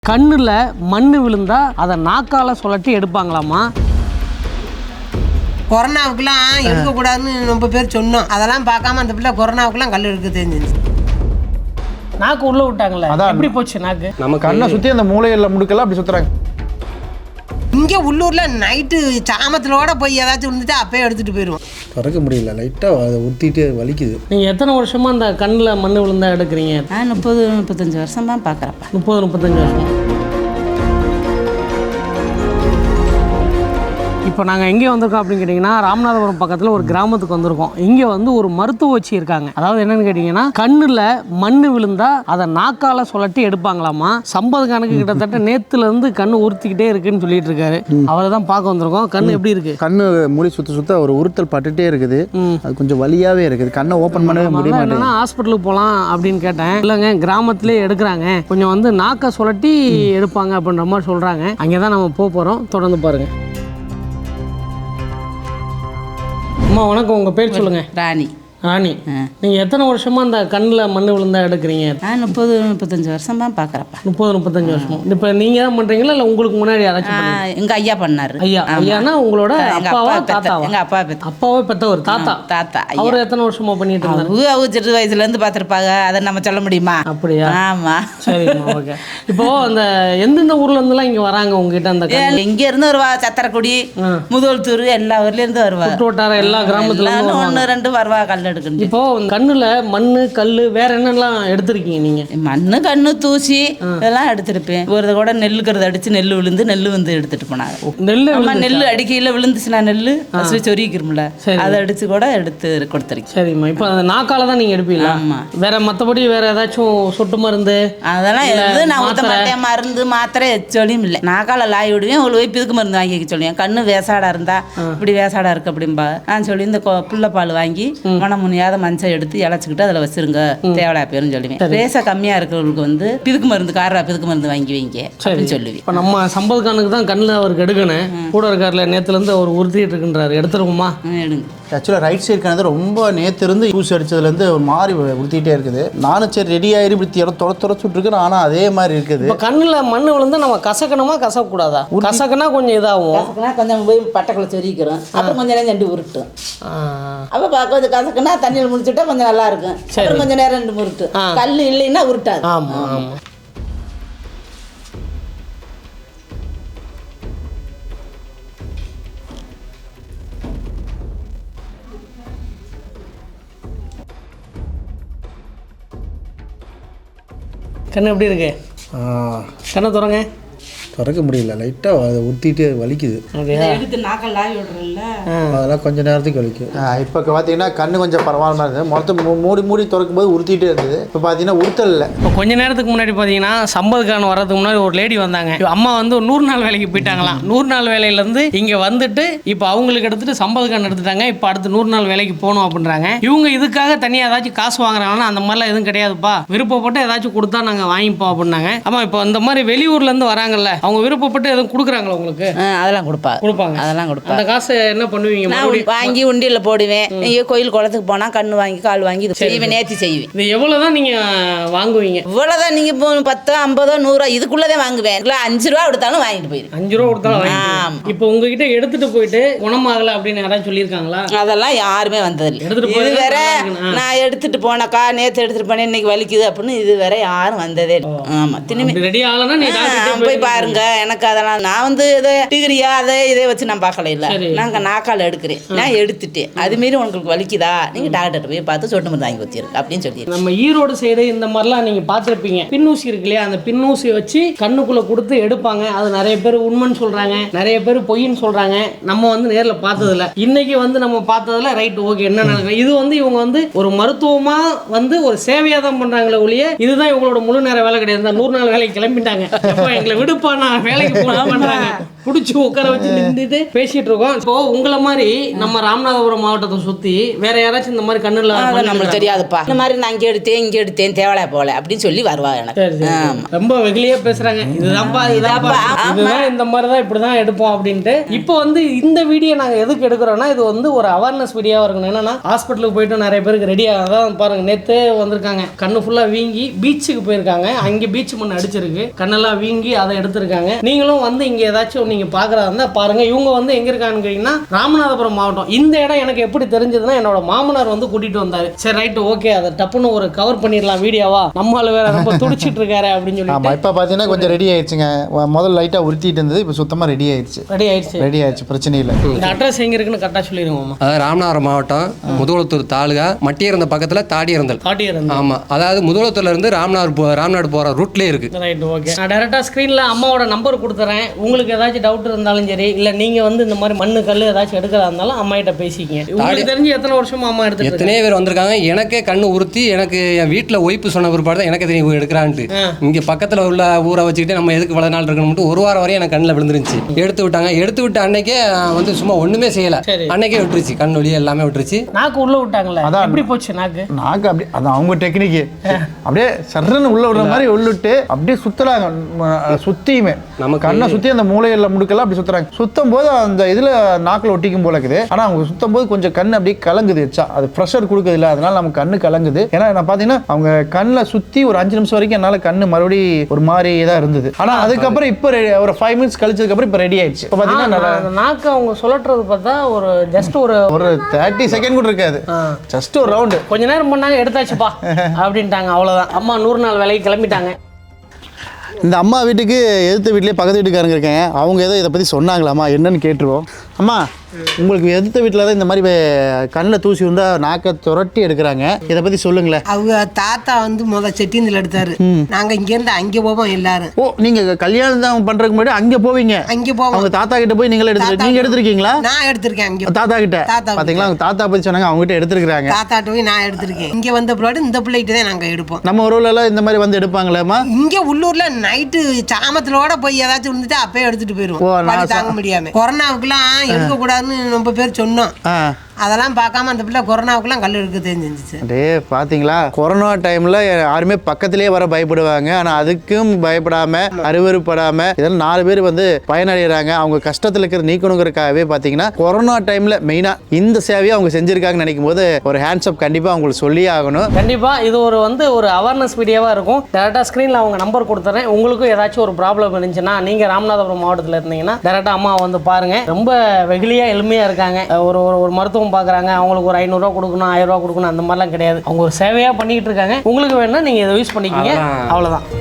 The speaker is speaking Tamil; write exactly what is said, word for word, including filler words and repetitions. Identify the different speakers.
Speaker 1: கண்ணுல மண்ணு விழுந்தா அதை நாக்கால சுழட்டி எடுப்பாங்களாமா.
Speaker 2: கொரோனாவுக்குலாம் எடுக்கக்கூடாதுன்னு ரொம்ப பேர் சொன்னோம். அதெல்லாம் பார்க்காம அந்த பிள்ளை கொரோனாவுக்குலாம் கல் எடுக்க தெரிஞ்சிருச்சு.
Speaker 1: நாக்கு உள்ள விட்டாங்களே, எப்படி போச்சு நாக்கு?
Speaker 3: நம்ம கண்ணை சுற்றி அந்த மூளைகளில் முடுக்கெல்லாம் அப்படி சுற்றுறாங்க.
Speaker 2: இங்கே உள்ளூரில் நைட்டு சாமத்திலோட போய் ஏதாச்சும் இருந்துட்டு அப்பயே எடுத்துகிட்டு போயிடுவோம்.
Speaker 3: திறக்க முடியல, லைட்டாக அதை ஊற்றிட்டு வலிக்குது.
Speaker 1: நீங்கள் எத்தனை வருஷமாக அந்த கண்ணில் மண் விழுந்தா எடுக்கிறீங்க?
Speaker 4: நான் முப்பது முப்பத்தஞ்சு வருஷம் தான் பார்க்குறப்ப.
Speaker 1: முப்பது முப்பத்தஞ்சு வருஷம். இப்போ நாங்கள் எங்கே வந்திருக்கோம் அப்படின்னு கேட்டிங்கன்னா, ராமநாதபுரம் பக்கத்தில் ஒரு கிராமத்துக்கு வந்திருக்கோம். இங்கே வந்து ஒரு மருத்துவ வச்சு இருக்காங்க. அதாவது என்னென்னு கேட்டிங்கன்னா, கண்ணில் மண் விழுந்தா அதை நாக்கால் சுழட்டி எடுப்பாங்களாமா. சம்பது கணக்கு கிட்டத்தட்ட நேற்றுலேருந்து கண் உறுத்திக்கிட்டே இருக்குன்னு சொல்லிட்டு இருக்காரு. அவரை தான் பார்க்க வந்திருக்கோம். கண் எப்படி இருக்குது?
Speaker 3: கண்ணு மூடி சுற்ற சுற்ற ஒரு உறுத்தல் பட்டுட்டே இருக்குது. அது கொஞ்சம் வலியாகவே இருக்குது. கண்ணை ஓப்பன் பண்ணவே முடிய மாட்டேங்குது.
Speaker 1: என்னன்னா ஹாஸ்பிட்டலுக்கு போகலாம் அப்படின்னு கேட்டேன். இல்லைங்க, கிராமத்திலே எடுக்கிறாங்க, கொஞ்சம் வந்து நாக்கை சுழட்டி எடுப்பாங்க அப்படின்ற மாதிரி சொல்கிறாங்க. அங்கே தான் நம்ம போக போகிறோம். தொடர்ந்து பாருங்கள். அம்மா வணக்கம், உங்கள் பேர் சொல்லுங்கள்.
Speaker 4: ராணி.
Speaker 1: ராணி, நீங்கள் எத்தனை வருஷமாக அந்த கண்ணில் மண் விழுந்தா எடுக்கிறீங்க?
Speaker 4: நான் முப்பது முப்பத்தஞ்சு வருஷம் தான் பார்க்குறப்ப.
Speaker 1: முப்பது முப்பத்தஞ்சு வருஷம். இப்போ நீங்கள் தான் பண்ணுறீங்களா இல்லை உங்களுக்கு முன்னாடி யாராச்சும்?
Speaker 4: எங்கள் ஐயா பண்ணார்.
Speaker 1: ஐயா ஐயானா உங்களோட அப்பாவா தாத்தாவா?
Speaker 4: எங்கள் அப்பா பெத்த
Speaker 1: அப்பாவே பெற்றவர் தாத்தா.
Speaker 4: தாத்தா
Speaker 1: அவர் எத்தனை வருஷமா பண்ணிட்டு இருந்தாரு?
Speaker 4: அவங்க அவங்க சிறு வயசுலேருந்து பார்த்துருப்பாங்க. அதை நம்ம சொல்ல முடியுமா?
Speaker 1: அப்படியா?
Speaker 4: ஆமாம்.
Speaker 1: சரிம்மா, ஓகே. இப்போ அந்த எந்தெந்த ஊர்ல இருந்துலாம் இங்கே வராங்க உங்ககிட்ட? அந்த
Speaker 4: இங்கே இருந்து வருவா, சத்திரக்குடி, முதல்தூர், எல்லா ஊர்லேருந்து வருவா.
Speaker 1: சுற்று வட்டாரம் எல்லா கிராமத்துல
Speaker 4: ஒன்று ரெண்டு வருவா கல் எடுக்கணும்.
Speaker 1: இப்போ கண்ணுல மண்ணு கல்லு வேற என்னெல்லாம் எடுத்திருக்கீங்க நீங்க?
Speaker 4: மண்ணு கண்ணு தூசி இதெல்லாம் எடுத்திருப்பேன். ஒரு கூட நெல்லுக்கிறது அடிச்சு நெல் விழுந்து நெல் வந்து எடுத்துட்டு போனாங்க.
Speaker 1: நெல்லு
Speaker 4: நெல் அடிக்கையில விழுந்துச்சுன்னா நெல்லு சொரிக்கிறோம்ல, அதை அடிச்சு கூட எடுத்து கொடுத்துருக்கேன்.
Speaker 1: சரிம்மா. இப்போ அந்த நாக்கால தான் நீங்க எடுப்பீங்களா?
Speaker 4: ஆமா.
Speaker 1: வேற மற்றபடி வேற ஏதாச்சும் சொட்டு மருந்து
Speaker 4: அதெல்லாம் எது நான் ஊற்ற மாட்டேன். மருந்து மாத்திரை எச்சொலியும் இல்லை. நாக்கால லாய் விடுவேன். ஒரு போய் பிதுக்கு மருந்து வாங்கி வைக்க சொல்லுவேன். கண்ணு வேசாடா இருந்தா இப்படி வேசாடா இருக்கு அப்படின்பா. நான் சொல்லி இந்த புள்ளப்பால் வாங்கி மணமுனியாத மஞ்சள் எடுத்து இழைச்சிக்கிட்டு அதில் வச்சிருங்க, தேவலா பேருன்னு சொல்லுவேன். ரேசா கம்மியாக இருக்கிறவங்களுக்கு வந்து பிதுக்கு மருந்து காரா பிதுக்கு மருந்து வாங்கி வைங்க அப்படின்னு சொல்லுவேன்.
Speaker 1: இப்போ நம்ம சம்பது கானுக்கு தான் கண்ணில் அவருக்கு எடுக்கணும். கூட இருக்கார்ல, நேற்றுலேருந்து அவர் உறுத்திட்டு இருக்குன்றாரு. எடுத்துருவோமா?
Speaker 4: எடுங்க.
Speaker 3: ஆக்சுவலாக ரைட் சைடு கணது ரொம்ப நேற்று இருந்து யூஸ் அடிச்சதுலேருந்து ஒரு மாதிரி உறுத்திட்டே இருக்குது. நானும் சரி ரெடி ஆயிரு இப்படி திற தொட துறச்சுட்ருக்கேன். ஆனால் அதே மாதிரி இருக்குது.
Speaker 1: இப்போ கண்ணில் மண் விழுந்து நம்ம கசக்கணுமா கசக்கூடாதா? கசக்குனா கொஞ்சம் இதாகும்.
Speaker 4: கசக்குனா கொஞ்சம் போய் பட்டைக்குள்ள சொரிக்கிறோம். அப்புறம் கொஞ்சம் நேரம் ரெண்டு உருட்டும். அப்போ கொஞ்சம் கசக்குனா தண்ணியில் முடிச்சுட்டா கொஞ்சம் நல்லா இருக்கும். அப்புறம் கொஞ்சம் நேரம் ரெண்டு உருட்டு. கல் இல்லைன்னா உருட்டாது.
Speaker 1: ஆமாம் ஆமாம். கண்ணு எப்படி இருக்கு? கண்ணை திறங்க.
Speaker 3: திறக்க முடியல, லைட்டாக அதை ஊற்றிட்டு வலிக்குது.
Speaker 4: எடுத்து நாக்கல் லாய் விடுறல,
Speaker 3: அதெல்லாம் கொஞ்சம் நேரத்துக்கு வலிக்கும். இப்போ பார்த்தீங்கன்னா கண்ணு கொஞ்சம் பரவாயில்ல இருந்தது. மொத்தம் மூடி மூடி திறக்கும் போது உறுத்திட்டே இருந்தது. இப்போ பார்த்தீங்கன்னா உறுத்தல் இல்லை.
Speaker 1: இப்போ கொஞ்ச நேரத்துக்கு முன்னாடி பார்த்தீங்கன்னா சம்பது கான் வர்றதுக்கு முன்னாடி ஒரு லேடி வந்தாங்க. அம்மா வந்து ஒரு நூறு நாள் வேலைக்கு போயிட்டாங்களாம். நூறு நாள் வேலையிலேருந்து இங்கே வந்துட்டு இப்போ அவங்களுக்கு எடுத்துட்டு சம்பது கான் எடுத்துட்டாங்க. இப்போ அடுத்து நூறு நாள் வேலைக்கு போகணும் அப்படின்றாங்க. இவங்க இதுக்காக தனியாக ஏதாச்சும் காசு வாங்குறாங்கன்னா அந்த மாதிரிலாம் எதுவும் கிடையாதுப்பா, விருப்பப்பட்டு ஏதாச்சும் கொடுத்தா நாங்கள் வாங்கிப்போம் அப்படின்னாங்க. ஆமாம், இப்போ இந்த மாதிரி வெளியூர்லேருந்து வராங்கல்ல, அவங்க விருப்பப்பட்டு எதுவும் கொடுக்குறாங்களா உங்களுக்கு?
Speaker 4: அதெல்லாம் கொடுப்பா கொடுப்பாங்க அதெல்லாம் கொடுப்பாங்க.
Speaker 1: அந்த காசை என்ன பண்ணுவீங்க?
Speaker 4: வாங்கி உண்டியில் போடுவேன். இங்கே கோயில் குளத்துக்கு போனால் கண்ணு வாங்கி கால் வாங்கி செய்வேன், நேர்த்தி செய்வேன்.
Speaker 1: இது எவ்வளோதான் நீங்கள் வாங்குவீங்க?
Speaker 4: இவ்வளோதான். நீங்கள் இப்போ பத்தோ ஐம்பதோ நூறோ இதுக்குள்ளதான் வாங்குவேன். இல்லை அஞ்சு ரூபா கொடுத்தாலும் வாங்கிட்டு போயிடுவேன்.
Speaker 1: அஞ்சு ரூபா கொடுத்தாலும். இப்போ உங்ககிட்ட எடுத்துட்டு போயிட்டு குணமாகலை அப்படின்னு யாராவது சொல்லியிருக்காங்களா?
Speaker 4: அதெல்லாம் யாருமே வந்ததில்லை.
Speaker 1: எடுத்துட்டு போய்
Speaker 4: இது வேற நான் எடுத்துட்டு போனக்கா நேற்று எடுத்துட்டு போனேன் இன்னைக்கு வலிக்குது அப்படின்னு இது வேற யாரும் வந்ததே இல்லை. ஆமாம், திரும்பி
Speaker 1: ரெடி ஆகலன்னா நீ
Speaker 4: போய் பாருங்க. எனக்கு அதெல்லாம் நான் வந்து இதை டிகிரியா அதை இதை வச்சு நான் பார்க்கல. இல்லை, நாங்கள் நாக்கால் எடுக்கிறேன், நான் எடுத்துட்டேன். அதுமாரி உங்களுக்கு வலிக்குதா, நீங்கள் டாக்டர் போய் பார்த்து சொட்டு மருந்து வாங்கி வச்சிருக்கு அப்படின்னு சொல்லி.
Speaker 1: நம்ம ஈரோடு சைடு இந்த மாதிரிலாம் நீங்கள் பார்த்துருப்பீங்க. பின்னூசி இருக்கு இல்லையா, அந்த பின்னூசியை வச்சு கண்ணுக்குள்ளே கொடுத்து எடுப்பாங்க. அது நிறைய பேர் உண்மைன்னு சொல்கிறாங்க, நிறைய பேர் பொய்ன்னு சொல்கிறாங்க. நம்ம வந்து நேரில் பார்த்ததில்ல. இன்னைக்கு வந்து நம்ம பார்த்ததில்ல. Right, okay. என்ன நடக்குது? இது வந்து இவங்க வந்து ஒரு மருத்துவமாக வந்து ஒரு சேவையாக தான் பண்ணுறாங்களே ஒழிய இதுதான் இவங்களோட முழு நேர வேலை கிடையாது. நூறு நாள் வேலைக்கு கிளம்பிட்டாங்க. எங்களை விடுப்பா, நான் வேலைக்கு போனா பண்றாங்க. பிடிச்சி உட்கார வச்சு நின்றுட்டு பேசிட்டு இருக்கோம். இப்போ உங்களை மாதிரி நம்ம ராமநாதபுரம் மாவட்டத்தை சுத்தி வேற யாராச்சும் இந்த மாதிரி கண்ணுல
Speaker 4: நம்மளுக்கு தெரியாதுப்பா. இந்த மாதிரி நான் இங்கே எடுத்தேன் இங்கே எடுத்தேன் தேவலை போல அப்படின்னு சொல்லி வருவா எனக்கு.
Speaker 1: ரொம்ப வெகுளியா பேசுறாங்க. இதுதான்ப்பா இதுதான்ப்பா இதுதான் இந்த மாதிரிதான் இப்படிதான் எடுப்போம் அப்படின்ட்டு. இப்போ வந்து இந்த வீடியோ நாங்க எதுக்கு எடுக்கிறோம்னா இது வந்து ஒரு அவேர்னஸ் வீடியோவா இருக்கணும். என்னன்னா ஹாஸ்பிட்டலுக்கு போயிட்டு நிறைய பேருக்கு ரெடியா அதான் பாருங்க நேத்து வந்திருக்காங்க கண்ணு ஃபுல்லா வீங்கி பீச்சுக்கு போயிருக்காங்க. அங்கே பீச் மண் அடிச்சிருக்கு கண்ணெல்லாம் வீங்கி அதை எடுத்திருக்காங்க. நீங்களும் வந்து இங்க ஏதாச்சும் நீங்க பாக்குறதா இருந்தா பாருங்க. இவங்க வந்து எங்க இருக்காங்கன்னு கேட்டீங்கன்னா ராமநாதபுரம் மாவட்டம். இந்த இடம் எனக்கு எப்படி தெரிஞ்சதுன்னா என்னோட மாமனார் வந்து கூட்டிட்டு வந்தாரு. சரி ரைட்டு ஓகே அதை டப்புன்னு ஒரு கவர் பண்ணிடலாம் வீடியோவா நம்மளால வேற ரொம்ப துடிச்சிட்டு இருக்காரு அப்படின்னு சொல்லி.
Speaker 3: ஆமா இப்போ பார்த்தீங்கன்னா கொஞ்சம் ரெடி ஆயிடுச்சுங்க. முதல்ல லைட்டாக உறுத்திட்டு இருந்தது இப்போ சுத்தமாக ரெடி ஆயிடுச்சு.
Speaker 1: ரெடி ஆயிடுச்சு
Speaker 3: ரெடி ஆயிடுச்சு பிரச்சனை இல்லை.
Speaker 1: இந்த அட்ரஸ் எங்க இருக்குன்னு கரெக்டாக சொல்லிடுவோம்.
Speaker 5: அதாவது ராமநாதபுரம் மாவட்டம் முதுகுளத்தூர் தாலுகா மட்டியறந்த பக்கத்தில் தாடியறந்தல்.
Speaker 1: தாடியறந்தல்
Speaker 5: ஆமாம். அதாவது முதுகுளத்தூர்ல இருந்து ராமநாடு போ ராமநாடு போகிற ரூட்லேயே இருக்கு.
Speaker 1: Right okay. நான் டேரெக்டாக ஸ்க்ரீனில் அம்மாவோட நம்பர் கொடுத்துறேன். உங்களுக்கு ஏதாச்சும் டவுட் இருந்தாலும் சரி இல்லை நீங்கள் வந்து இந்த மாதிரி மண்ணு கல் ஏதாச்சும் எடுக்கிறதா இருந்தாலும் அம்மாயிட்ட பேசிக்கிங்க. உங்களுக்கு தெரிஞ்சு எத்தனை வருஷமா அம்மா எடுத்து
Speaker 5: எத்தனையோ பேர் வந்திருக்காங்க. எனக்கே கண்ணு உறுத்தி எனக்கு என் வீட்டில் ஒய்ப்பு சொன்ன பிற்பாடு தான் எனக்கு தெரியும் எடுக்கிறான்ட்டு. இங்கே பக்கத்தில் உள்ள ஊரை வச்சுக்கிட்டு நம்ம எதுக்கு இவ்வளோ நாள் இருக்கணும்ட்டு ஒரு வாரம் வரையும் எனக்கு கண்ணில் விழுந்துருந்துச்சு. எடுத்து விட்டாங்க. எடுத்து விட்ட அன்னைக்கே வந்து சும்மா ஒன்றுமே செய்யலை. அன்னைக்கே விட்டுருச்சு கண் வலி எல்லாமே விட்டுருச்சு.
Speaker 1: நாக்கு உள்ள விட்டாங்களே அதான் எப்படி போச்சு நாக்கு
Speaker 3: நாக்கு அப்படி அதான் அவங்க டெக்னிக்கு அப்படியே சர்றன்னு உள்ள விடுற மாதிரி உள்ளிட்டு அப்படியே சுத்துறாங்க. சுத்தியுமே நம்ம கண்ணை சுத்தி அந்த மூளையில முடுக்கெல்லாம் அப்படி சுத்துறாங்க. சுத்தும் போது அந்த இதுல நாக்குல ஒட்டிக்கும் போல இருக்குது. ஆனா அவங்க சுத்தும் போது கொஞ்சம் கண்ணு அப்படியே கலங்குது. அது ப்ரெஷர் கொடுக்குது இல்லை அதனால நம்ம கண்ணு கலங்குது. ஏன்னா நான் பாத்தீங்கன்னா அவங்க கண்ணில் சுத்தி ஒரு அஞ்சு நிமிஷம் வரைக்கும் என்னால கண்ணு மறுபடியும் ஒரு மாதிரி தான் இருந்தது. ஆனா அதுக்கப்புறம் இப்போ ஒரு ஃபைவ் மினிட்ஸ் கழிச்சதுக்கு அப்புறம் இப்போ ரெடி ஆயிடுச்சு. இப்போ பாத்தீங்கன்னா
Speaker 1: நாக்கு அவங்க சொல்லறது பார்த்தா ஒரு ஜஸ்ட் ஒரு
Speaker 3: ஒரு தேர்ட்டி செகண்ட் கூட இருக்காது. ஜஸ்ட் ஒரு ரவுண்டு
Speaker 1: கொஞ்ச நேரம் பண்ணாங்க எடுத்தாச்சுப்பா அப்படின்ட்டாங்க. அவ்வளவுதான். அம்மா நூறு நாள் வேலைக்கு கிளம்பிட்டாங்க.
Speaker 3: இந்த அம்மா வீட்டுக்கு எதிர்த்த வீட்லேயே பக்கத்து வீட்டுக்காரங்க இருக்கேன். அவங்க ஏதோ இதை பற்றி சொன்னாங்களாம்மா என்னன்னு கேட்டுருவோம். அம்மா உங்களுக்கு எதிர்த்த வீட்டில் தான் இந்த மாதிரி கண்ணில் தூசி வந்தால் நாக்கை துரட்டி எடுக்கிறாங்க. இதை பற்றி சொல்லுங்களேன்.
Speaker 2: அவங்க தாத்தா வந்து முத செட்டிந்தில் எடுத்தாரு. நாங்கள் இங்கேருந்து அங்கே போவோம் எல்லாரும்.
Speaker 3: ஓ நீங்கள் கல்யாணம் தான் பண்ணுறதுக்கு முன்னாடி அங்கே போவீங்க?
Speaker 2: அங்கே போவோம்.
Speaker 3: அவங்க தாத்தா கிட்ட போய் நீங்களே எடுத்து நீங்கள் எடுத்திருக்கீங்களா?
Speaker 2: நான் எடுத்திருக்கேன். அங்கே
Speaker 3: தாத்தா கிட்ட
Speaker 2: தாத்தா
Speaker 3: பார்த்தீங்களா? அவங்க தாத்தா பற்றி சொன்னாங்க அவங்க கிட்ட எடுத்துருக்காங்க.
Speaker 2: தாத்தாட்ட போய் நான் எடுத்திருக்கேன். இங்கே வந்த பிள்ளைட்டு இந்த பிள்ளைகிட்ட தான் நாங்கள் எடுப்போம்.
Speaker 3: நம்ம ஊர்ல இந்த மாதிரி வந்து எடுப்பாங்களேம்மா?
Speaker 2: இங்கே உள்ளூர்ல நைட்டு சாமத்திலோட போய் ஏதாச்சும் இருந்துட்டு அப்பயே எடுத்துட்டு போயிருவோம். தாங்க முடியாம கொரோனாவுக்குலாம் எடுக்க கூடாதுன்னு ரொம்ப பேர் சொன்னோம். அதெல்லாம் பார்க்காம அந்த பிள்ளை கொரோனாவுக்குலாம் கல் எடுக்க தெரிஞ்சிருந்துச்சு.
Speaker 3: டே பார்த்தீங்களா கொரோனா டைமில் யாருமே பக்கத்திலே வர பயப்படுவாங்க. ஆனால் அதுக்கும் பயப்படாமல் அருவறுப்படாமல் இதெல்லாம் நாலு பேர் வந்து பயனடைகிறாங்க. அவங்க கஷ்டத்தில் இருக்கிற நீக்கணுங்கிறதுக்காகவே பார்த்தீங்கன்னா கொரோனா டைமில் மெயினாக இந்த சேவையை அவங்க செஞ்சுருக்காங்கன்னு நினைக்கும் போது ஒரு ஹேண்ட்ஸ்அப் கண்டிப்பாக அவங்களுக்கு சொல்லியே ஆகணும்.
Speaker 1: கண்டிப்பாக இது ஒரு வந்து ஒரு அவேர்னஸ் வீடியோவாக இருக்கும். டேரெக்டாக ஸ்க்ரீனில் அவங்க நம்பர் கொடுத்துறேன். உங்களுக்கும் ஏதாச்சும் ஒரு ப்ராப்ளம் இருந்துச்சுன்னா நீங்கள் ராமநாதபுரம் மாவட்டத்தில் இருந்தீங்கன்னா டேரெக்டாக அம்மா வந்து பாருங்கள். ரொம்ப வெகுளியாக எளிமையாக இருக்காங்க. ஒரு ஒரு மருத்துவம் பார்க்குறாங்க அவங்களுக்கு ஒரு ஐநூறுரூவா கொடுக்கணும் ஆயிரம் ரூபா கொடுக்கணும் அந்த மாதிரிலாம் கிடையாது. அவங்க ஒரு சேவையாக பண்ணிக்கிட்டு இருக்காங்க. உங்களுக்கு வேணும்னா நீங்கள் இதை யூஸ் பண்ணிக்கிங்க. அவ்வளோதான்.